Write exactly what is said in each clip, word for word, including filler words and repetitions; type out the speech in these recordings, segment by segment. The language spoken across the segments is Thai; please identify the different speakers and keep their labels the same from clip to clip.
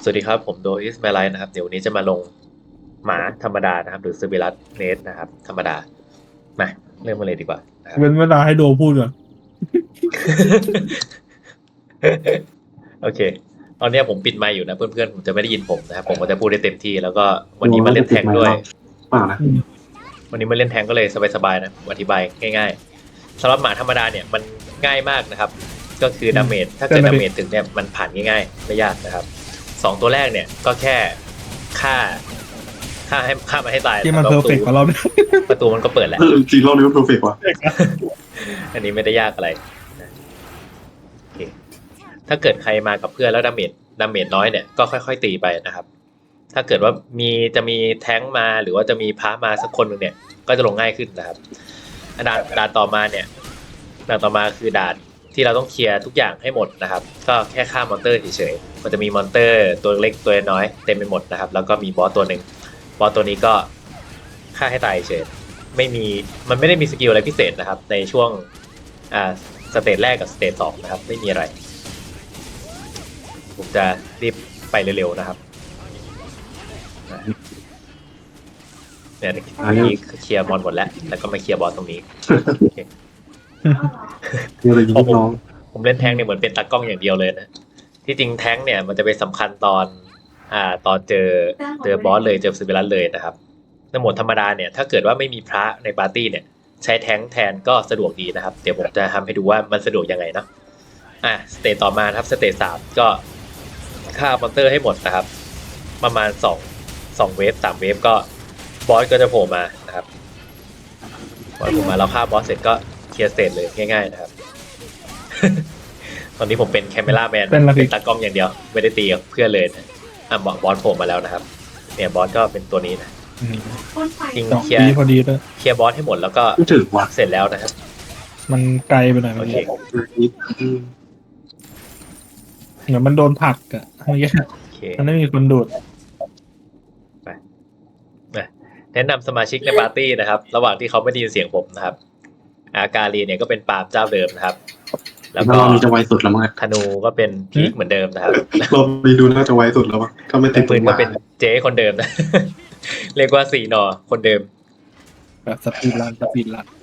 Speaker 1: สวัสดีครับผมโดอิสมาไลนะครับเดี๋ยววันนี้จะมาลงหมาธรรมดานะครับหรือซบิลัสเนสนะครับธรรมดามาเริ่มมาเลยดีกว่านะครับ
Speaker 2: เป็นเวลาให้โดพูดก่อน
Speaker 1: โอเคตอนนี้ผมปิดไมค์อยู่นะเพื่อนๆผมจะไม่ได้ยินผมนะครับผมก็จะพูดได้เต็มที่แล้วก็วันนี้มาเล่นแทงค์ด้วย
Speaker 3: เปล่านะ
Speaker 1: วันนี้มาเล่นแทงค์ก็เลยสบายๆนะผมอธิบายง่ายๆสำหรับหมาธรรมดาเนี่ยมันง่ายมากนะครับก็คือดาเมจถ้าเกิดดาเมจถึงเนี่ยมันผ่านง่ายๆไม่ยากนะครับสองตัวแรกเนี่ยก็แค่ฆ่าฆ่าให้ฆ่ามันให้ตาย
Speaker 2: ที่มัน
Speaker 1: แล้ว
Speaker 2: เพอร์เฟกต์กว่าเราเนี่ย
Speaker 1: ประตูมันก็เปิดแหละ
Speaker 3: เออจริงรอบนี้มันเพอร์เฟกต์ว่ะ
Speaker 1: อันนี้ไม่ได้ยากอะไรนะโอเคถ้าเกิดใครมากับเพื่อนแล้วดาเมจดาเมจน้อยเนี่ยก็ค่อยๆตีไปนะครับถ้าเกิดว่ามีจะมีแท้งมาหรือว่าจะมีพระมาสักคนหนึ่งเนี่ยก็จะลงง่ายขึ้นนะครับด่านด่านต่อมาเนี่ยด่านต่อมาคือด่านที่เราต้องเคลียร์ทุกอย่างให้หมดนะครับก็แค่ฆ่ามอนเตอร์เฉยๆมันจะมีมอนเตอร์ตัวเล็กตัวน้อยเต็มไปหมดนะครับแล้วก็มีบอสตัวหนึ่งบอสตัวนี้ก็ฆ่าให้ตายเฉยไม่มีมันไม่ได้มีสกิลอะไรพิเศษนะครับในช่วงอ่าสเตจแรกกับสเตจสองนะครับไม่มีอะไรผมจะรีบไปเร็วๆนะครับเนี่ยอันนี้เคลียร์มอนหมดแล้วแล้วก็มาเคลียร์บอสตรงนี้
Speaker 3: มีอะไรยิงลูกน้อง
Speaker 1: ผมเล่นแท้งเนี่ยเหมือนเป็นตากล้องอย่างเดียวเลยนะที่จริงแท้งเนี่ยมันจะเป็นสำคัญตอนอ่าตอนเจอเจอบอสเลยเจอซิบิลัสเลยนะครับในโหมดธรรมดาเนี่ยถ้าเกิดว่าไม่มีพระในปาร์ตี้เนี่ยใช้แท้งแทนก็สะดวกดีนะครับเดี๋ยวผมจะทำให้ดูว่ามันสะดวกยังไงเนาะอ่ะสเตจต่อมาครับสเตจสามก็ฆ่ามอนเตอร์ให้หมดนะครับประมาณสองสองเวฟสามเวฟก็บอสก็จะโผล่มานะครับบอสโผล่มาเราฆ่าบอสเสร็จก็เคลียร์สเตจเลยง่ายๆนะครับ ตอนนี้ผมเป็นแคมเมล่าแมนเป็นตากล้องอย่างเดียวไม่ได้ตีกับเพื่อนเลยนะอ่ะบอสโผล่มาแล้วนะครับเนี่ยบอสก็เป็นตัวนี้นะจริง
Speaker 2: สอง
Speaker 1: เคลีย
Speaker 2: ปี
Speaker 1: ร์
Speaker 2: พอดีเลย
Speaker 1: เคลียร์บอสให้หมดแล้วก็
Speaker 3: ไม่ถึงว่ะ
Speaker 1: เสร็จแล้วนะครับ
Speaker 2: มันไกลไปหน่อย
Speaker 1: โอ
Speaker 2: มัน
Speaker 1: เค
Speaker 2: เหมือนมันโดนผลักอะเมื่อกี้
Speaker 1: โอเค
Speaker 2: มันไม่มีคนดูด
Speaker 1: นะแนะนำสมาชิกในปาร์ตี้นะครับ ระหว่างที่เขาไม่ได้ยินเสียงผมนะครับ อาการีเนี่ยก็เป็นปาล์มเจ้าเดิมนะครับ แล้ว
Speaker 3: ถ้า
Speaker 1: ก็
Speaker 3: เรามีจะไวสุดแล้วมั้ง
Speaker 1: ธนูก็เป็นพีคเหมือนเดิมนะครับ
Speaker 3: เรามีดูน่าจะไวสุดแล้วมั้งถ้าไม่ติ
Speaker 1: แต่
Speaker 3: ด
Speaker 1: ปืนก็เป็นเจ๊คนเดิมนะ เรียกว่าสี่หนอคนเดิม
Speaker 2: แบบสปีดรันสปีดรัน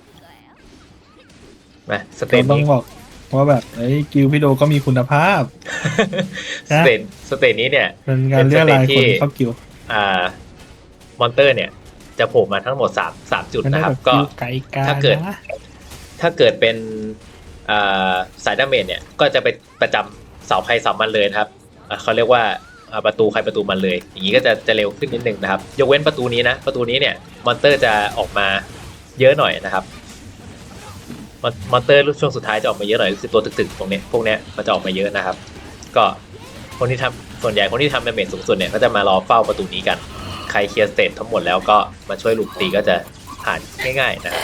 Speaker 1: นะสเต
Speaker 2: เรา
Speaker 1: น
Speaker 2: ต้อง
Speaker 1: นี้
Speaker 2: บอกว่าแบบไอ้ยกิลพี่โดก็มีคุณภาพ
Speaker 1: สเตนสเตนนี้เนี่ย
Speaker 2: เป็นการเรียกรายคนเข้ากิล
Speaker 1: อ่ามอนเตอร์เนี่ยจะโผล่มาทั้งหมดสามสามจุด
Speaker 2: มันได้
Speaker 1: นะครับ
Speaker 2: แบบ
Speaker 1: ก็
Speaker 2: กิลไกลกา
Speaker 1: ถ้าเกิด
Speaker 2: นะ
Speaker 1: ถ้าเกิดเป็นอ่าสายดาเมจเนี่ยก็จะไปประจำเสาใครเสามันเลยนะครับอ่าเขาเรียกว่าอ่าประตูใครประตูมันเลย อย่างนี้ก็จะจะเร็วขึ้นนิดนึงนะครับยกเว้นประตูนี้นะประตูนี้เนี่ยมอนเตอร์จะออกมาเยอะหน่อยนะครับมอนมอนเตอร์ช่วงสุดท้ายจะออกมาเยอะหน่อยก็คือตัวตึกๆตรงเนี้ยพวกเนี้ยมันจะออกมาเยอะนะครับ ก็คนที่ทำส่วนใหญ่คนที่ทำดาเมจสูงสุดเนี่ยก็จะมารอเฝ้าประตูนี้กันใครเคลียร์สเตจทั้งหมดแล้วก็มาช่วยลุมตีก็จะผ่านง่ายๆนะครับ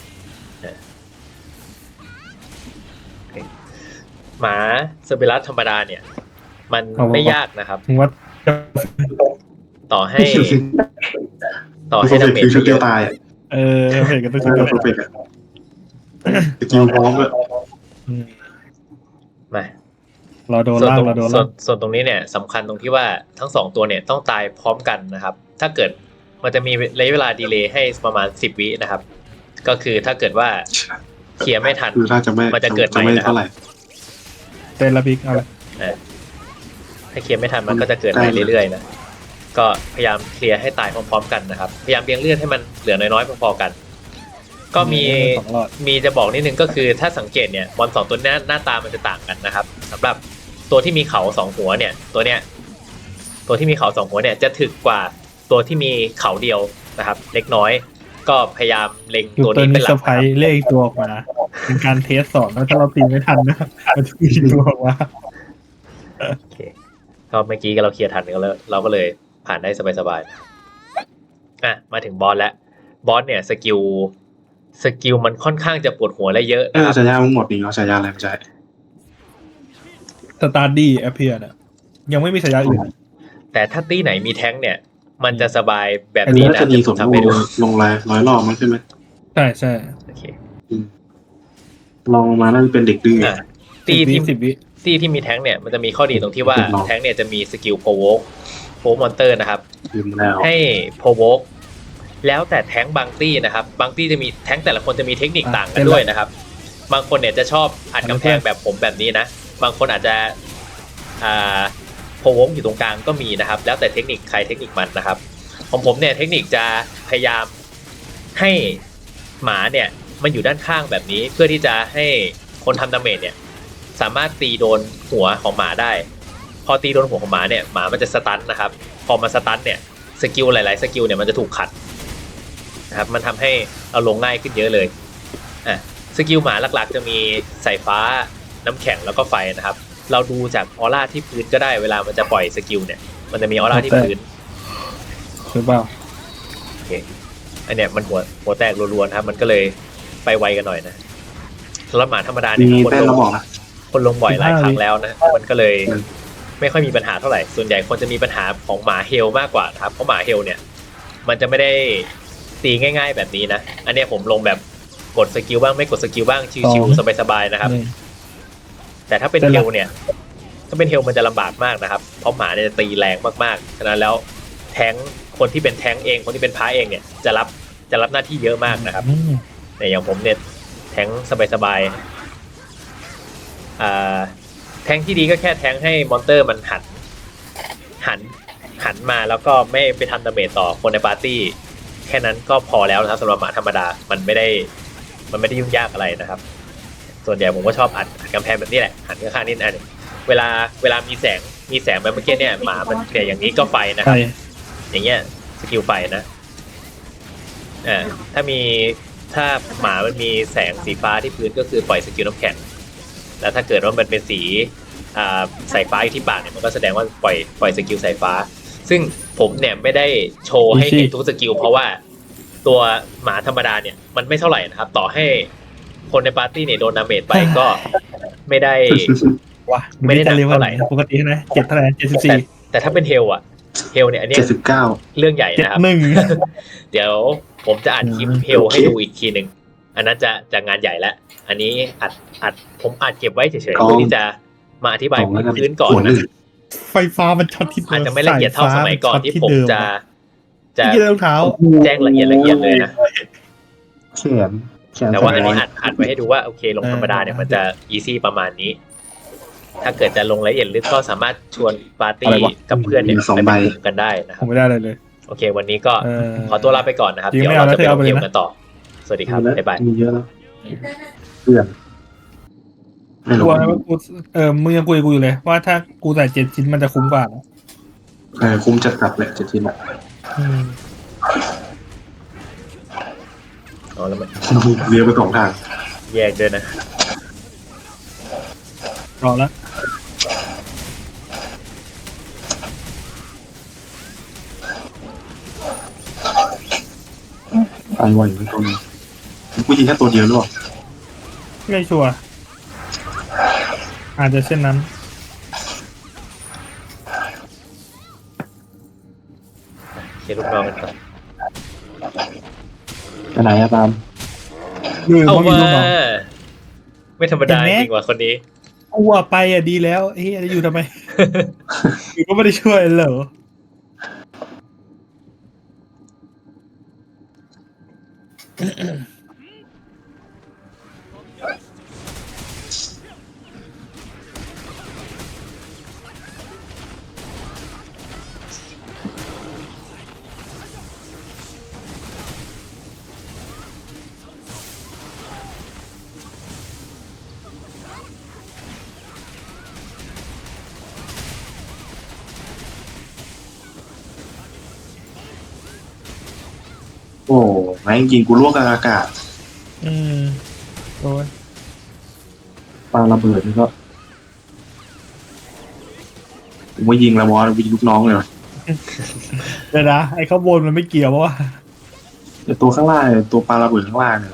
Speaker 1: หมาเซอร์เบลัสธรรมดาเนี่ย มันไม่ยากนะครับ
Speaker 2: ถึงว่า
Speaker 1: ต่อให้ ต่อ
Speaker 3: เพ
Speaker 1: ให้
Speaker 3: อร์เฟ
Speaker 1: ดาก เม
Speaker 3: ต์
Speaker 1: จ
Speaker 3: คือชุด
Speaker 1: เย
Speaker 3: เดียว
Speaker 1: อะ
Speaker 3: ตายอ่ะ
Speaker 2: เออเพจก็ต้อง
Speaker 3: เอ
Speaker 2: คิด
Speaker 3: อ
Speaker 2: ว่า
Speaker 3: เพอร์เฟกต์อ่ะสกิลพร้อมเลย
Speaker 2: อืม
Speaker 1: มา
Speaker 2: เราโดน
Speaker 1: ส่วน
Speaker 2: ล่า
Speaker 1: ต
Speaker 2: ง
Speaker 1: รง
Speaker 2: เราโดน
Speaker 1: ส่ว
Speaker 2: ล่าน ง
Speaker 1: ส่วนตรงนี้เนี่ยสำคัญตรงที่ว่าทั้งสองตัวเนี่ยต้องตายพร้อมกันนะครับ ถ้าเกิดมันจะมีระยะเวลาดีเลย์ให้ประมาณสิบวินะครับ ก็คือถ้าเกิดว่าเคลียร์ไม่ทัน
Speaker 3: คือถ้าจะไม่
Speaker 1: มันจะเกิดใหม่
Speaker 3: ไม่
Speaker 1: นะครับ
Speaker 3: เท่าไหร่
Speaker 2: เตนละพิกเอาละ
Speaker 1: นะถ้าเคลียร์ไม่ทันมันก็จะเกิดใหม่เรื่อยๆนะก็พยายามเคลียร์ให้ตายพร้อมๆกันนะครับพยายามเลี้ยงเลือดให้มันเหลือน้อยๆพอๆกัน ก็มี
Speaker 2: สองรอด
Speaker 1: มีจะบอกนิดนึงก็คือถ้าสังเกตเนี่ยบอลสองตัวหน้าหน้าตามันจะต่างกันนะครับสำหรับตัวที่มีเขาสองหัวเนี่ยตัวเนี้ยตัวที่มีเขาสองหัวเนี่ยจะถึกกว่าตัวที่มีเขาเดียวนะครับ เล็กน้อย ก็พยายามเล็ง
Speaker 2: อยู่
Speaker 1: ตัว
Speaker 2: ตัว
Speaker 1: นี้เป็น
Speaker 2: นี้
Speaker 1: ห
Speaker 2: เซ
Speaker 1: ลั
Speaker 2: อก ร์ไพรส์เลขอีกตัวออกมาเป็นการเทสสอนแล้วถ้าเราตีไม่ทันนะมันจะมีอีกตัวออกมา
Speaker 1: โอเคก็เมื่อกี้เราเคลียร์ทันก็แล้วเราก็เลยผ่านได้สบายๆอ่ะมาถึงบอสแล้วบอสเนี่ยสกิลสกิลมันค่อนข้างจะปวดหัวและเยอะ
Speaker 3: เอ
Speaker 1: นะ
Speaker 3: อ
Speaker 1: ครับ
Speaker 3: ฉายามึงหมดนี่เนาะฉายาอะไรไม่ใช่
Speaker 2: สตาร์ดี้แอปเพียร์เนี่ยยังไม่มีฉายาอื่น
Speaker 1: แต่ถ้าตี้ไหนมีแท้งเนี่ย มันจะสบายแบบ
Speaker 3: อัน
Speaker 1: นี้
Speaker 3: นี้
Speaker 1: นะ
Speaker 3: จะดี
Speaker 1: เดี๋ยวผ
Speaker 3: สุด
Speaker 1: มทำให้ดู
Speaker 3: ลงลายร้อยรอบมั้งใช่ไหม
Speaker 2: ใช่ใช่
Speaker 1: โอเค
Speaker 3: ลองมาน่าจะเป็นเด็กดื้อ
Speaker 1: อ่ะ
Speaker 2: ตี
Speaker 1: ตี้
Speaker 2: ที่
Speaker 1: ที่
Speaker 2: สิบวิ
Speaker 1: ซี่ที่มีแท้งเนี่ยมันจะมีข้อดีตรงที่ว่าแท้งเนี่ยจะมีสกิลโพวกโพวกมอนเตอร์นะครับ
Speaker 3: ลืมแล้ว
Speaker 1: ให้โพวกแล้วแต่แท้งบางตี้นะครับบางตี้จะมีแท้งแต่ละคนจะมีเทคนิคต่างกันด้วยนะครับบางคนเนี่ยจะชอบอัดกำแพงแบบผมแบบนี้นะบางคนอาจจะอ่าโพวกอยู่ตรงกลางก็มีนะครับแล้วแต่เทคนิคใครเทคนิคมันนะครับของผมเนี่ยเทคนิคจะพยายามให้หมาเนี่ยมันอยู่ด้านข้างแบบนี้เพื่อที่จะให้คนทำดาเมจเนี่ยสามารถตีโดนหัวของหมาได้พอตีโดนหัวของหมาเนี่ยหมามันจะสตันนะครับพอมาสตันเนี่ยสกิลหลายๆสกิลเนี่ยมันจะถูกขัดนะครับมันทำให้เราลงง่ายขึ้นเยอะเลยอ่ะสกิลหมาหลักๆจะมีสายฟ้าน้ำแข็งแล้วก็ไฟนะครับเราดูจากออร่าที่พื้นก็ได้เวลามันจะปล่อยสกิลเนี่ยมันจะมีออร่าที่พื้น
Speaker 2: หรือเปล่า
Speaker 1: โอเคอันเนี้ยมันหัวหัวแตกรัวๆนะครับมันก็เลยไปไวกันหน่อยนะสำหรับหมาธรรมดาเนี่ย
Speaker 3: มี
Speaker 1: คน
Speaker 3: แป้น
Speaker 1: ล
Speaker 3: เรา
Speaker 1: ง
Speaker 3: บอกนะ
Speaker 1: คนลงบ่อยหลายครั้งแล้วนะมันก็เลย
Speaker 3: อืม
Speaker 1: ไม่ค่อยมีปัญหาเท่าไหร่ส่วนใหญ่คนจะมีปัญหาของหมาเฮลมากกว่านะครับเพราะหมาเฮลเนี่ยมันจะไม่ได้ตีง่ายๆแบบนี้นะอันเนี้ยผมลงแบบกดสกิลบ้างไม่กดสกิลบ้างชิวๆสบายๆนะครับ
Speaker 2: นี่
Speaker 1: แต่ถ้าเป็น
Speaker 2: เป็น
Speaker 1: เฮ
Speaker 2: ไร
Speaker 1: ลเนี่ยถ้าเป็นเฮลมันจะลำบากมากนะครับเพราะหมาเนี่ยจะตีแรงมากๆฉะนั้นแล้วแท้งคนที่เป็นแท้งเองคนที่เป็นพระเองเนี่ยจะรับจะรับหน้าที่เยอะมากนะครับ
Speaker 2: อืม
Speaker 1: แต่อย่างผมเนี่ยแท้งสบายๆอ่าแท้งที่ดีก็แค่แท้งให้มอนเตอร์มันหันหันหันมาแล้วก็ไม่ไปทำดาเมจต่อคนในปาร์ตี้แค่นั้นก็พอแล้วนะครับสำหรับหมาธรรมดามันไม่ได้มันไม่ได้ยุ่งยากอะไรนะครับ ส่วนใหญ่ผมก็ชอบอัดอัดกำแพงแบบนี้แหละหันข้างๆนิดอันงเวลาเวลามีแสงมีแสงแบบเมื่อกี้เนี่ยหมามันเนี่ยอย่างนี้ก็ไฟนะค
Speaker 2: ใช่
Speaker 1: รับอย่างเงี้ยสกิลไฟนะอ่าถ้ามีถ้าหมามันมีแสงสีฟ้าที่พื้นก็คือปล่อยสกิลน้ำแข็งแล้วถ้าเกิดว่ามันเป็นสีอ่าสายฟ้าอยู่ที่ปากเนี่ยมันก็แสดงว่าปล่อยปล่อยสกิลสายฟ้า ซึ่งผมเนี่ยไม่ได้โชว์ให้เห็นทุกสกิลเพราะว่าตัวหมาธรรมดาเนี่ยมันไม่เท่าไหร่นะครับ ต่อให้คนในปาร์ตี้เนี่ยโดนดาเมจไปก็ไม่ได้
Speaker 2: ว่ะ
Speaker 1: ไม่ได้หนัก
Speaker 2: ร็ว
Speaker 1: เท่าไหร่
Speaker 2: ปกติใช่ไหมเจ็ดเท่าไหร่เจ็ดสิบ
Speaker 1: แต่
Speaker 2: สี่
Speaker 1: แต่ถ้าเป็นเฮลอะเฮลเนี่ยอันเนี้ย
Speaker 3: เจ็ดสิบเก้า
Speaker 1: เรื่องใหญ่
Speaker 2: เจ็ด
Speaker 1: นะครับ
Speaker 2: หนึ่ง
Speaker 1: เดี๋ยวผมจะอัดคลิป
Speaker 2: อืม
Speaker 1: เฮลให้ดูอีกทีหนึ่งอันนั้นจะจะงานใหญ่แล้วอันนี้อัดอัดผมอัดเก็บไว้เฉยๆ
Speaker 3: อ๋อ
Speaker 1: เพื่อที่จะมาอธิบาย
Speaker 3: สองแล้วกัน
Speaker 1: พื้นก่อน
Speaker 3: โอ้
Speaker 1: นะ
Speaker 3: ย
Speaker 2: ไฟฟ้ามันช็อตที่
Speaker 1: อาจจะไม่ละเอียดเท่าสมัยก่อนที่ผมจะจะ
Speaker 2: ที่รองเท้า
Speaker 1: แจ้งละเอียดละเอียดเลยนะ
Speaker 3: แขนแขน
Speaker 1: แต่ว่าอันนี้
Speaker 3: ส
Speaker 1: อัดอัดไว้ให้ดูว่าโอเคลงธรรมดาเนี่ยมันจะอีซี่ประมาณนี้ ถ้าเกิดจะลงรายละเอียดลึกก็สามารถชวนปาร์ตี้กับเพื่อนเนี่ยไปเป็นกลุ่มกันได้นะค
Speaker 2: ผ
Speaker 1: รับ
Speaker 2: มไม่ได้เลยเลย
Speaker 1: โอเค วันนี้ก็
Speaker 2: เออ
Speaker 1: ขอตัวลาไปก่อนนะครับ
Speaker 2: จริง
Speaker 1: เดี๋ยว
Speaker 2: ไม่เอา
Speaker 1: เราจะไป
Speaker 2: แล้ว
Speaker 1: ลง
Speaker 2: เธอเอาไป
Speaker 1: เก
Speaker 2: เลย
Speaker 1: ม
Speaker 2: นะ
Speaker 1: กันต่อ สวัสดีครับ
Speaker 3: มีแล้ว
Speaker 1: บ๊ายบาย
Speaker 3: มีเยอะแล้วเพื่อนไม่
Speaker 2: ก
Speaker 3: รู้
Speaker 2: ลัวไหมว่ากูเออมึงยังคุยกับกูอยู่เลยว่าถ้ากูใส่เจ็ดชิ้นมันจะคุ้มกว่านะ
Speaker 3: เออคุ้มจัดกลับแหละเจ็ดชิ้นอ่ะ
Speaker 2: อืม
Speaker 1: อ๋อแล้วมัน
Speaker 3: เลี้ยวไปสองทาง
Speaker 1: แยกด้วยนะ
Speaker 2: รอแล้ว
Speaker 3: ตายไวเหมือนตัวนึงกูยิงแค่ตัวเดียวหรือเปล่า
Speaker 2: ไม่ชัวร์อาจจะเช่นนั้น
Speaker 1: เคลูกน้องกันก่อน
Speaker 3: ไปไหนอะตาม
Speaker 2: หรือ
Speaker 1: เอา
Speaker 2: ว่ามี
Speaker 1: ว่า
Speaker 2: ลูกน้อง
Speaker 1: ไม่ธรรมดา
Speaker 2: เห็นไหม
Speaker 1: จริงว่ะคนนี้
Speaker 2: กูว่าไปอ่ะดีแล้วเฮ้ยจะอยู่ทำไม อยู่ก็ไม่ได้ช่วยเหรอ
Speaker 3: โอ้แม่งยิงกูล่วงกลางอากาศ
Speaker 2: อืมโอ้ย
Speaker 3: ปาระเบิดนี่ก็ผมว่ายิงแล้วบอสยิงลูกน้องเลยว่ะ
Speaker 2: เดี๋ยวนะไอ้ข้างบนมันไม่เกี่ยวเพราะว่า
Speaker 3: แต่ตัวข้างล่างเนี่ยตัวปาระเบิดข้างล่างเนี่ย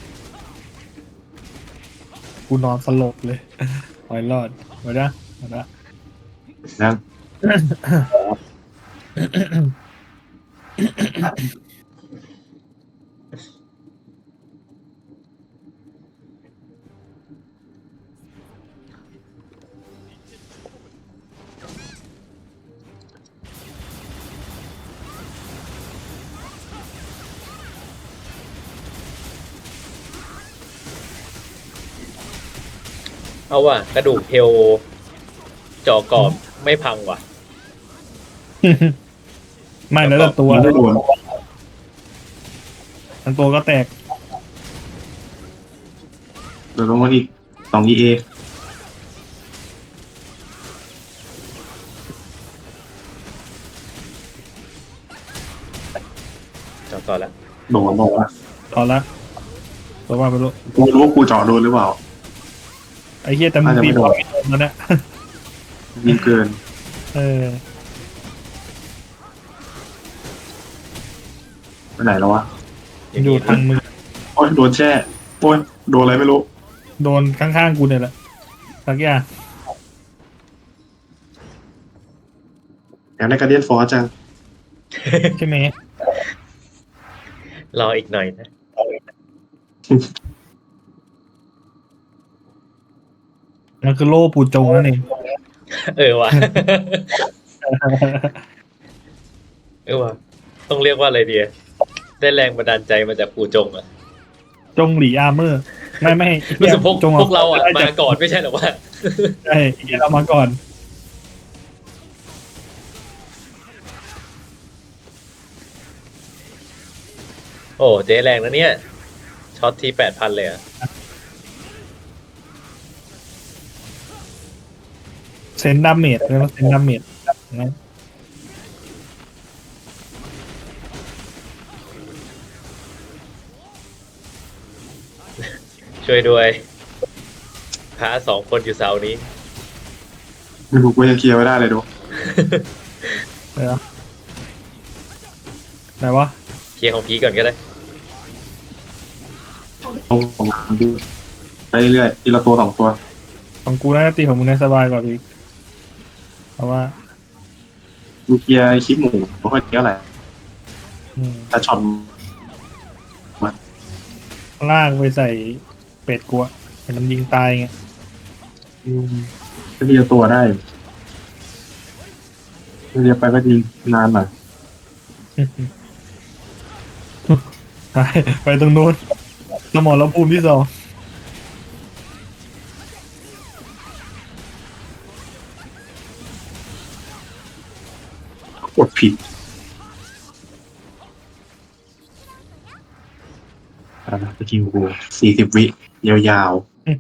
Speaker 2: กูนอนสลบเลยปล่อยรอดไว้นะไว้นะ
Speaker 3: นะ
Speaker 1: โเอาว่ะกระดูกเทลจอกรอบไม่พังว่ะ
Speaker 2: ไม่แล้วแต่ตัว
Speaker 3: ไม่โดน
Speaker 2: ทั้งตัวก็แตก
Speaker 3: เดี๋ยวลงมาอีกสองอีเอ
Speaker 1: จอต่อแล้ว
Speaker 3: โดนบอกว่า
Speaker 2: ต่อละตัวว่าไปรู้
Speaker 3: กูไม่รู้ว่ากูเจาะโดนหรือเปล่า
Speaker 2: ไอ้เหี้ยแต่มึง
Speaker 3: น่าจะ
Speaker 2: ตี
Speaker 3: ไม่
Speaker 2: บ
Speaker 3: โด
Speaker 2: อน ลไม่โดนแล้วเนี่ย
Speaker 3: ยิงเกิน
Speaker 2: เออ
Speaker 3: ไปไหนแล้ววะ
Speaker 2: อยู่ทางมือ
Speaker 3: โอ้ยโดนแช่โอ้ยโดนอะไรไม่รู้
Speaker 2: โดนข้างๆกูเนี่ยแหละสักอย่าง
Speaker 3: อยากได้การเดียนฟอร์จัง
Speaker 2: ใช่ไหม
Speaker 1: รออีกหน่อยนะ
Speaker 2: มันคือโล่ปูจงนั่นเอง
Speaker 1: เออว่ะ เออว่ะต้องเรียกว่าอะไรดีอะได้แรงบันดาลใจมาจากปู่จงอ่ะ
Speaker 2: จงหลีอาร์เมอร์ ไม่ไม่
Speaker 1: รู้สึกพวก
Speaker 2: จง
Speaker 1: พวกเราอ่ะ
Speaker 2: ได้
Speaker 1: มา
Speaker 2: จาก
Speaker 1: ก่อนไม่ใช่เหรอวะ
Speaker 2: ใช่เรามาก่อน
Speaker 1: โอ้เจ๊แรงนะเนี่ยช็อตทีแปดพันเลยอ่ะ
Speaker 2: เซนดาเมจเรียกว่าเซนดาเมจนะ
Speaker 1: ช่วยด้วยพาสองคนอยู่เสานี้
Speaker 3: ไม่รู้กูยังเคลียร์ไม่ได้เลยดู
Speaker 2: เดี๋ยวไหนวะ
Speaker 1: เคลียร์ของพีก่อนก็ได้
Speaker 3: เอาของมันดูไปเรื่อยๆทีละตัวสองตัว
Speaker 2: ของกูน่าจะตีของมึงในสบายกว่าพี่เพราะว่า
Speaker 3: กูเคลียร์ไอ้คลิปหมูไม่ค่อยเยอะอะไร
Speaker 2: อืม
Speaker 3: แต่ช็อต
Speaker 2: ลากไปใส่เป็ดกูอะเห็นมันยิงตายไง
Speaker 3: ก็ทีละตัวได้เรียกไปก็ยิงนานหน่อย
Speaker 2: ไปไปตรงนู้นสมรภูมิที่สอง
Speaker 3: กดผิดอ่าสกิลกูสี่สิบวิยาว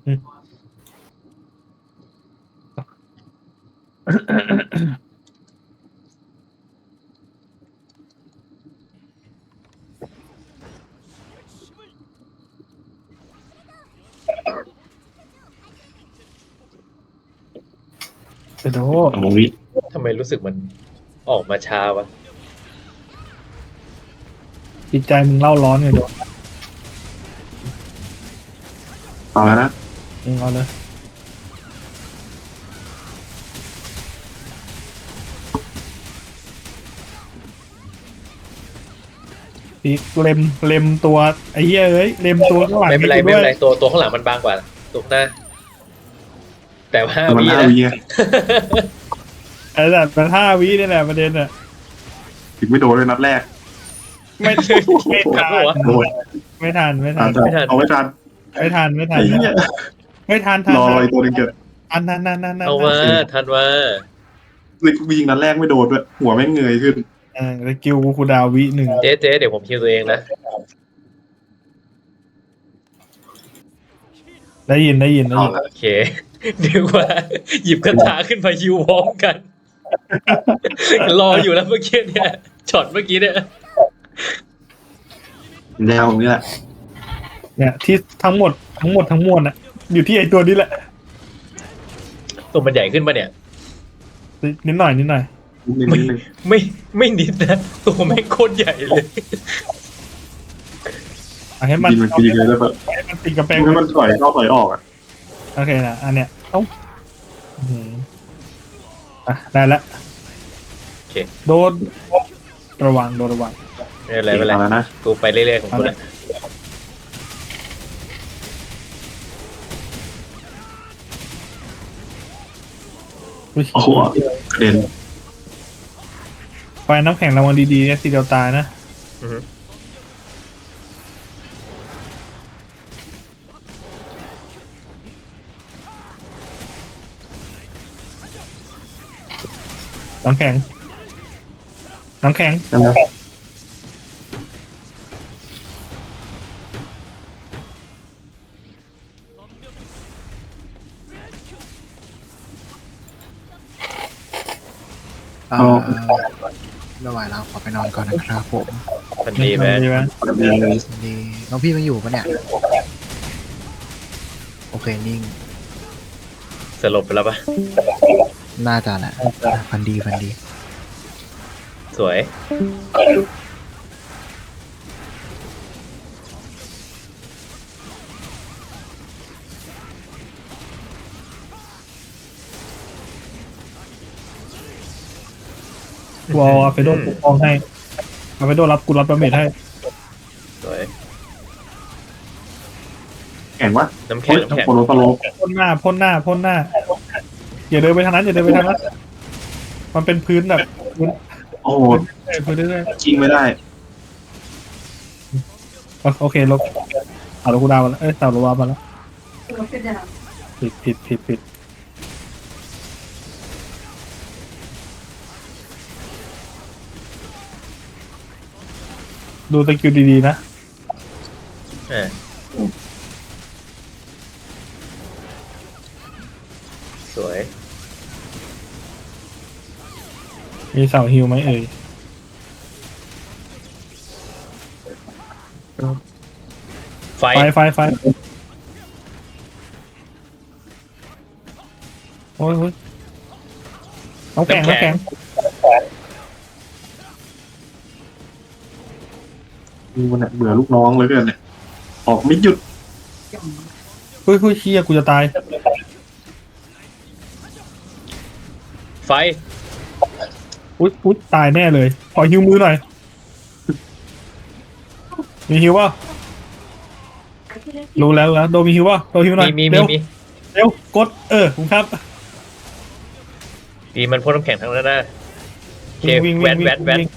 Speaker 3: ๆ
Speaker 2: ไปโด
Speaker 3: สองวิ
Speaker 1: ทำไมรู้สึกมันออกมาช้าวะ
Speaker 2: จิตใจมึงเล่าร้อนไงโด
Speaker 3: เอาแล้วนะ
Speaker 2: มึงเอาเลยอีกเล็มเล็มตัวไอ้เหี้ยเอ้ยเล็มตัวข้างหลัง
Speaker 1: ไม่เป็นไร
Speaker 2: ให้กู
Speaker 1: ไม่
Speaker 2: ด้
Speaker 1: เป็
Speaker 2: วย
Speaker 1: นไรตัวตัวข้างหลังมันบางกว่าตัวหน้า แต่ว่า
Speaker 3: แต่มัน
Speaker 1: วี
Speaker 3: ห้า
Speaker 1: นะ
Speaker 3: วิไง
Speaker 2: ไอ้สัตว์มันห้าวินี่แหละประเด็นอะ
Speaker 3: ถึงไม่โดนเลยนัดแรก
Speaker 2: ไม่ไม่ทัน
Speaker 3: โดน
Speaker 2: ไม่ทันไม่ทั
Speaker 3: อาน จจะเอาไว้ทัน
Speaker 2: ไม่ทันไม่ทั
Speaker 3: ไอ้
Speaker 2: น
Speaker 3: เหี้ย
Speaker 2: ไม่ทันทัน
Speaker 3: รอรออีกตัวหนึงเกิด
Speaker 2: อันนั้นนั่นนั่นนั่น
Speaker 1: เอาว่าทันว่า
Speaker 3: เลยกูยิงนัดแรกไม่โดนด้วยหัวแม่งเงยขึ้น
Speaker 2: เออสกิลกูคูลดาวน์วิหนึ่ง
Speaker 1: เจ๊เจ๊เดี๋ยวผมคิวตัวเองนะ
Speaker 2: ได้ยินได้ยินได้ยิน
Speaker 1: โอเคเดี๋ยวว่า หยิบคาถาขึ้นมาฮิวพร้อมกัน รออยู่แล้วเมื่อกี้เนี่ยช็อตเมื่อกี้เนี่ย
Speaker 3: แนวตรงนี้แหละ
Speaker 2: เนี่ยที่ทั้งหมดทั้งหมดทั้งมวลอะอยู่ที่ไอตัวนี้แหละ
Speaker 1: ตัวมันใหญ่ขึ้นปะเนี่ย
Speaker 2: นิดหน่อยนิดหน่อย
Speaker 3: นิดนึง
Speaker 1: ไม่
Speaker 3: นิดนึง
Speaker 1: ไม่ไม่นิดนะตัวแม่งโคตรใหญ่เลย
Speaker 2: เอาให้มัน
Speaker 3: ยิงมันกูยิงเลยได้ปะ
Speaker 2: ให้มันติดกระแปง
Speaker 3: ให้มันถอยเข้าถอยออกอ่ะ
Speaker 2: โอเคนะอันเนี้ยเอ้าอื้อหืออ่ะได้ละ
Speaker 1: โอเค
Speaker 2: โดนระวังโดนระวัง
Speaker 1: ไม่เป็นไรไม่เป็นไร
Speaker 3: เอาแล้วนะ
Speaker 1: กูไปเรื่อยๆของกูแหละ
Speaker 2: อุ๊ย
Speaker 3: โอ้โหกระเด็น
Speaker 2: ไฟน้ำแข็งระวังดีๆเนี่ยทีเดียวตายนะ
Speaker 1: อือฮึ
Speaker 2: น้ำแข็งน้ำแข็ง
Speaker 3: ใช่ไหม
Speaker 4: เอ่อไม่ไหวแล้วขอไปนอนก่อนนะครับผม
Speaker 1: มันดีไหม
Speaker 2: ดีไหม
Speaker 3: ดีเลย
Speaker 4: ดีน้องพี่มันอยู่ปะเนี่ยโอเคนิ่ง
Speaker 1: สลบไปแล้วปะ
Speaker 4: น่าจะแหละฟันดีฟันดี
Speaker 1: สวย
Speaker 2: วอลอาเฟโดปกป้องให้อาเฟโดรับกูรับดาเมจให้
Speaker 1: สวย
Speaker 3: แข็งวะ
Speaker 1: น้ำแข็ง
Speaker 3: เฮ้ย
Speaker 1: น้ำแข็ง
Speaker 3: โปรโลโปรโล
Speaker 2: พ่นหน้าพ่นหน้าพ่นหน้าอย่าเดินไปทางนั้นอย่าเดินไปทางนั้นมันเป็นพื้นแบบพื้น
Speaker 3: โอ้โห
Speaker 2: พื้นเรื่อย
Speaker 3: จริงไม่ได้
Speaker 2: ๆโอเคลบเอาลูกดาวมาแล้วเอ้ยสาวลูกดาวมาแล้วผิดผิดผิดผิดดูตะคิวดีๆนะ
Speaker 1: อ่าสวย
Speaker 2: มีเสาฮิวไหมเอ่ย
Speaker 1: ไฟ
Speaker 2: ไฟไฟไฟโอ้ยโอ้ยน้ำแข็งน้ำแข็ง
Speaker 3: มึงมันเนี่ยเบื่อลูกน้องเลยเกินเนี่ยออกไม่หยุด
Speaker 2: เฮ้ยเฮ้ยเชี่ยกูจะตาย
Speaker 1: ไฟ
Speaker 2: อุ๊ยอุ๊ยตายแน่เลยขอฮิวมือหน่อยมีฮิวป่ะรู้แล้วรู้แล้วโดมีฮิวป่ะโดฮิวหน่อ
Speaker 1: มี
Speaker 2: ย
Speaker 1: มีมี
Speaker 2: เร็ว
Speaker 1: มี
Speaker 2: เร็วกดเออคุณครับ
Speaker 1: ดีมันพ่นน้ำแข็งทั้งนั้นนะโอเค
Speaker 2: วิ่ง
Speaker 1: แว
Speaker 2: วิ่
Speaker 1: น
Speaker 2: ง
Speaker 1: แวนแวน
Speaker 2: วิ่ง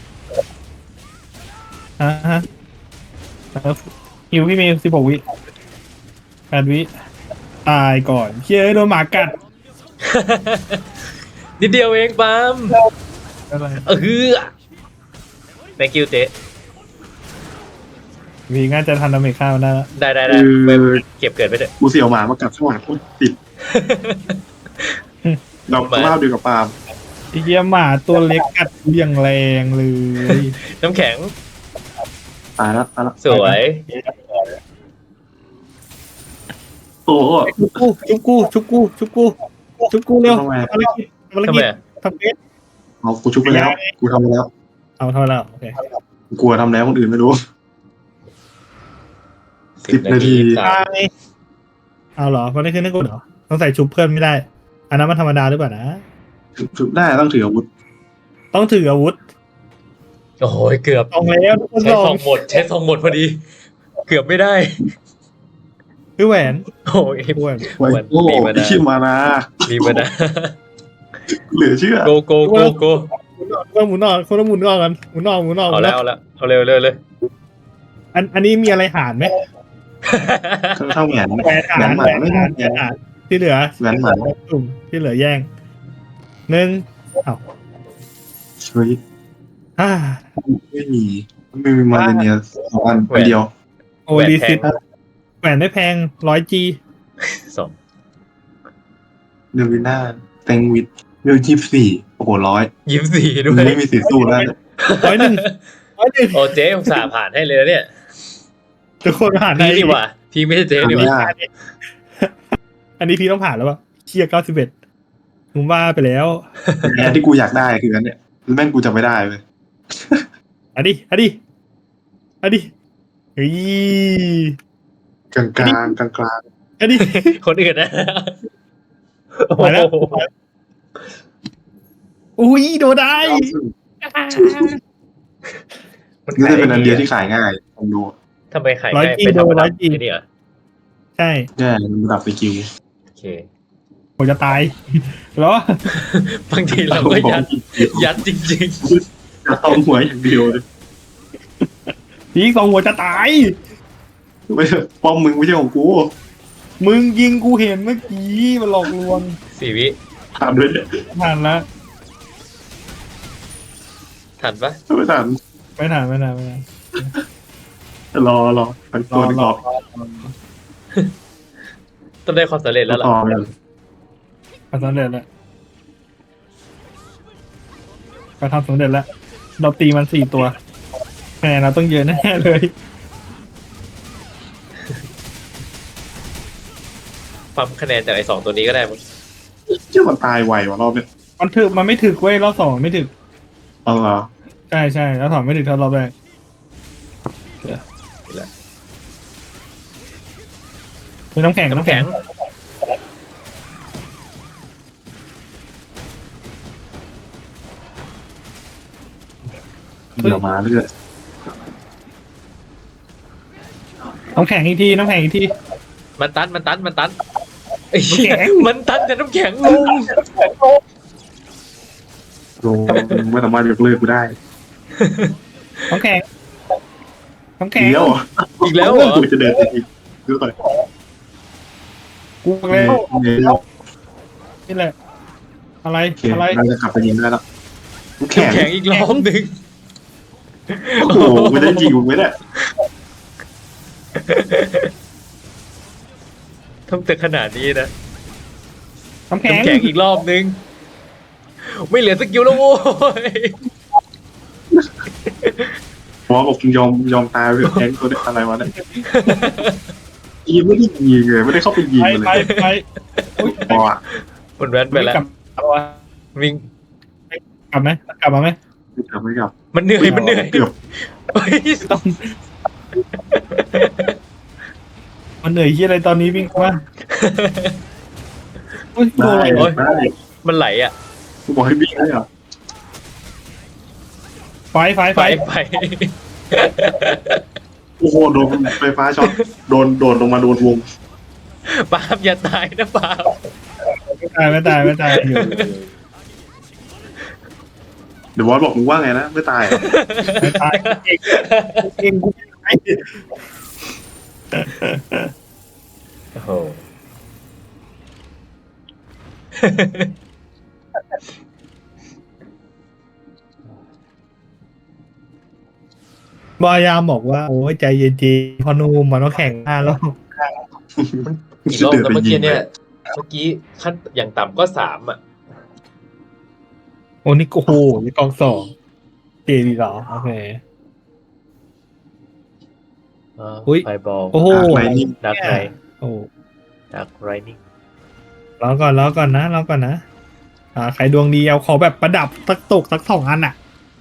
Speaker 2: อ่าฮะแล้วฮิวพี่มีสิบหกวิแปดวิตายก่อนเชี่ยโดนหมากัด
Speaker 1: นิดเดียวเองปาล์ม
Speaker 2: อะไร
Speaker 1: เออ thank you เจ๊
Speaker 2: วีง่าจะทันดาเมจข้าวได้แล้ว
Speaker 1: ได้ได้ได้ไปเก็บเกิดไปเถอะ
Speaker 3: กูเสี่ยวหมามากัดข้างหลังโคตรติดเรา
Speaker 1: หมา
Speaker 3: เล่าเดียวกับปาล์ม
Speaker 2: ไอ้เหี้ยหมาตัวเล็กกัดกูอย่างแรงเลย
Speaker 1: น้ำแข็ง
Speaker 3: ตายแล้วตายแล้ว
Speaker 1: สวย
Speaker 3: โอ้โห
Speaker 2: ชุบกูชุบกูชุบกูชุบกูชุบกูเร็ว
Speaker 3: ทำไม
Speaker 2: ภารกิจภาร
Speaker 1: ทำ
Speaker 2: กิ
Speaker 1: ไม
Speaker 2: จ
Speaker 1: อะ
Speaker 2: ทำเพชร
Speaker 3: เอากูชุบไปแล้ว กูทำไปแล้ว
Speaker 2: เอาเท่าแล้วโอเค
Speaker 3: กูกลัวทำแล้วคนอื่นไม่รู้
Speaker 1: สิ
Speaker 3: สิ
Speaker 1: บบ นา
Speaker 3: นาที
Speaker 1: ทีสาม
Speaker 2: ตายเอาเหรอมันได้ขึ้นได้กูเหรอต้องใส่ชุบเพื่อนไม่ได้ อันนั้นมันธรรมดาหรือเปล่านะ
Speaker 3: ชุบได้ต้องถืออาวุธ
Speaker 2: ต้องถืออาวุธ
Speaker 1: โอ้โหเกือบ
Speaker 2: ต้องแล้วทุกคน
Speaker 1: ใช้
Speaker 2: ลอ
Speaker 1: ทอง งหมด ใช้ทองหมดพอดี เกือบไม่ได้
Speaker 2: คือแหวน
Speaker 1: โอ้ย
Speaker 2: แหวน
Speaker 3: ไว้
Speaker 1: มัน
Speaker 3: โอ้
Speaker 1: มีมานะ
Speaker 3: ชิมมานะ
Speaker 1: มีมานะ
Speaker 3: เหลือเชื่อ
Speaker 1: โกโกโกโก
Speaker 2: หมุนออกคนละหมุนออกกันหมุนออกหมุนออก
Speaker 1: เอาแล้วเอาแล้วเอาเร็วเร็วเลย
Speaker 2: อันอันนี้มีอะไรหารไหม
Speaker 3: เท่าแหวน
Speaker 2: แหวนหา
Speaker 3: แหวน
Speaker 2: ร
Speaker 3: ห
Speaker 2: แห
Speaker 3: มา
Speaker 2: วน
Speaker 3: ไม่
Speaker 2: หา
Speaker 3: ได้
Speaker 2: รแหวนหารที่เหลือ
Speaker 3: แหวนหมา
Speaker 2: ตุ่มที่เหลือแย่งหนึ่งอ้าว
Speaker 3: เฮ้ย
Speaker 2: อ่า
Speaker 3: ไม่มีไม่มีมาเลเนียสองอันอันเดียว
Speaker 2: โอลิซิตแหวนไม่แพงร้อยจี
Speaker 1: สอง
Speaker 3: เดวิน่าแตงวิทเวลยี่สิบสี่โอ้โหร้อย
Speaker 1: ยิ้มสี่ด้วย
Speaker 3: ไม่มีสิทธิ์สู้แล้วเนี่ย
Speaker 2: ร้อยหนึ่งร้อยหนึ่ง
Speaker 1: โอ้เจ๊ผมสาห์ผ่านให้เลยนะเนี่ย
Speaker 2: ทุกคนผ่าน
Speaker 1: พี่นี่หว่า พี่ไม่ใช่เจ๊นี่หว่า
Speaker 3: ยาก
Speaker 2: อันนี้พี่ต้องผ่านแล้วป่ะเชียร์เก้าสิบเอ็ดมึงว่าไปแล้ว
Speaker 3: แอนที่กูอยากได้คืออันเนี่ยแม่งกูจะไม่ได้เลย
Speaker 2: อันนี้อันนี้อันนี้เฮ้ย
Speaker 3: กลางกลางกลางกลาง
Speaker 2: อันนี้
Speaker 1: คนอื่นนะ
Speaker 2: ไปแล้ว
Speaker 1: โอ้โห
Speaker 2: อุ้ยโดนได้
Speaker 1: มัน
Speaker 3: นี่
Speaker 1: ขาย
Speaker 3: จะเป็นอันเดียว
Speaker 1: ไง
Speaker 3: ที่ขายง่ายผมดู
Speaker 1: ทำไมขาย
Speaker 2: ร้อย
Speaker 1: ง่าย
Speaker 2: จี
Speaker 1: เป็นธรรม
Speaker 2: โดนร้
Speaker 1: ดา
Speaker 2: อยจี
Speaker 1: ที่นี่เหรอ
Speaker 2: ใช่
Speaker 3: แย่มันระดับสกิล
Speaker 1: โอเค
Speaker 2: ผมจะตายเหรอบ
Speaker 1: างทีเราก็ยัดยัดจริง
Speaker 3: จะต้องหัวอย่างเดียวเลย
Speaker 2: พี่สองหัวจะตาย
Speaker 3: ไม่ใช่ป้อมมึงไม่ใช่ของกู
Speaker 2: มึงยิงกูเห็นเมื่อกี้มันหลอกลวง
Speaker 1: ๆสี่วิ
Speaker 3: ถามด้วยเนี่ย
Speaker 2: ผ่านแล้ว
Speaker 1: ทันปะ
Speaker 3: ไม่ทัน
Speaker 2: ไม่นานไม่นานไม่นาน
Speaker 3: รอรอทั้ง
Speaker 2: ร
Speaker 3: ตั
Speaker 2: อ
Speaker 3: วดี
Speaker 2: ร
Speaker 3: ก
Speaker 2: อ
Speaker 3: ว่า
Speaker 1: ต้องได้ความสำเร็จแล้วล่ะ
Speaker 3: ต่อเลย
Speaker 2: ทำสำเร็จแล้วเราทำสำเร็จแล้วเราตีมันสี่ตัวคะแนนเราต้องเยอะแน่เลย
Speaker 1: ปั๊มคะแนนจากไอ้สองตัวนี้ก็ได้มั้ง
Speaker 3: เชื่อมันตายไววะรอบเนี้ย
Speaker 2: มันถึกมันไม่ถึกเว้ยรอบสองไม่ถึก
Speaker 3: เอาเหรอ
Speaker 2: ใช่ใช่แล้วสองไม่ถึกเท่ารอบแรกมีน้ำแข็ง
Speaker 1: น้ำ
Speaker 2: น้ำ
Speaker 1: แข็
Speaker 2: แข็
Speaker 1: ง
Speaker 2: ง
Speaker 3: เดี๋ยวมาเรื่อย
Speaker 2: น้ำแข็งอีกทีน้ำแข็งอีกที
Speaker 1: มันตันมันตันมันตันไอ้เหี้ย
Speaker 2: น้ำแข็ง
Speaker 1: มันตันแต่น้ำแข็งลง
Speaker 3: โอ้ไม่สามารถยกเลิกกูได้
Speaker 2: น้ำแข็งน้ำแข็ง
Speaker 3: เดี๋ยวอ่ะ
Speaker 1: อีกแล้วเหรอ
Speaker 3: กูจะเดินอีกดูก่อน
Speaker 2: กูเลย
Speaker 3: เนี่ย
Speaker 2: นี่แหละ อะไร
Speaker 3: โอเค
Speaker 2: อะไร
Speaker 3: เราจะกลับไปยิงได้แล้วกูแข็ง
Speaker 1: น้ำแข็งอีกรอบหนึ่ง
Speaker 3: โอ้โหไม่ได้ยิงกูไม่ได้
Speaker 1: ทำแต่ขนาดนี้นะ
Speaker 2: น้ำแข็ง
Speaker 1: น้ำแข็งอีกรอบหนึ่งไม่เหลือสกิลแล้วโว้ย
Speaker 3: หมอบอกยอมยอมตายไปแทงตัวนี้อะไรวะเนี่ยยิงไม่ได้ยิงเลยไม่ได้เข้าไปยิง
Speaker 2: ไป
Speaker 3: มัน
Speaker 2: ไป
Speaker 3: เลย
Speaker 2: ไปอุ๊ย
Speaker 3: พออ่ะ
Speaker 1: มันแว้นไปแล้ว
Speaker 2: กลับเอาวะ
Speaker 1: วิ่ง
Speaker 2: กลับไหมกลับมาไหม
Speaker 3: ไม่กลับไม่กลับ
Speaker 1: มันเหนื่อยมันเหนื่อย
Speaker 3: เกือบ
Speaker 1: เฮ้ย
Speaker 2: มันเหนื่อยที่อะไรตอนนี้วิ่งมาโอ้ยโด
Speaker 3: ได้
Speaker 2: นอะไรวะ
Speaker 3: ได้
Speaker 1: มันไหลอ่ะ
Speaker 3: กูบอกให้วิ่งได้เหรอ
Speaker 2: ไฟไฟไฟ
Speaker 1: ไปไป
Speaker 3: โอ้โหโดนไฟฟ้าช็อตโดนโดนลงมาโดนวง
Speaker 1: ปาบอย่าตายนะปาบ
Speaker 2: ไม่ตายไม่ตายไม่ตายอยู่
Speaker 3: เดี๋ยวบอสบอกมึงว่าไงนะไม่ตายเหรอ
Speaker 2: ไม่ตายเองเองกูไม่
Speaker 1: โอ้โห
Speaker 2: บอยามบอกว่าโอ้ยใจเย็นๆพอนูมมันต้องแข่งหน้าแล้ว
Speaker 1: กี่รอบแล้วเมื่อกี้เนี่ย เมื่อกี้ขั้นอย่างต่ำก็สามอ่ะ
Speaker 2: โอ้นี่โอ้โหนี่กองสองเจดีเหรอโอเค อุ๊ย
Speaker 1: ไฟบอล
Speaker 2: โอ้โห
Speaker 3: ไหนนี่
Speaker 1: ดักไร
Speaker 2: โอ้
Speaker 1: ดักไรนิ่ง
Speaker 2: รอก่อนรอก่อนนะรอก่อนนะอ่าใครดวงดีเอาขอแบบประดับสักตกสักสองอันอ่ะ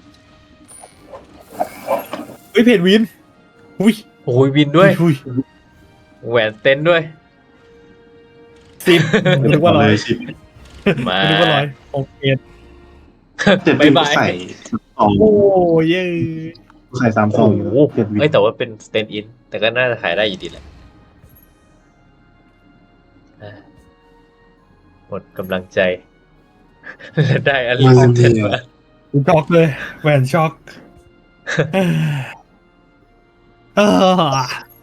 Speaker 2: เฮ้ยเพจวินอุ้ย
Speaker 1: โอ้ยวินด้วย
Speaker 2: อุ้ย
Speaker 1: แหวนเต้นด้วย
Speaker 2: สิบนึกว่าร้อย
Speaker 3: เลยสิ
Speaker 1: มา
Speaker 2: นึกว่าร้อยโอเค
Speaker 3: เจ็ด
Speaker 1: บ๊า
Speaker 3: วิ
Speaker 1: ย
Speaker 3: น
Speaker 1: บาย
Speaker 3: ใส่สอง
Speaker 2: โอ้ยเย้
Speaker 3: ใส่สามส
Speaker 1: โอ้
Speaker 3: อง
Speaker 1: โห
Speaker 3: เจ็ดวิน
Speaker 1: เอ้ยแต่ว่าเป็นสเตนอิน แต่ก็น่าจะขายได้อยู่ดีแหละอ่ะหมดกำลังใจ และได้อลิสเทนมา
Speaker 2: ช็อกเลยแหวนช็อกเออ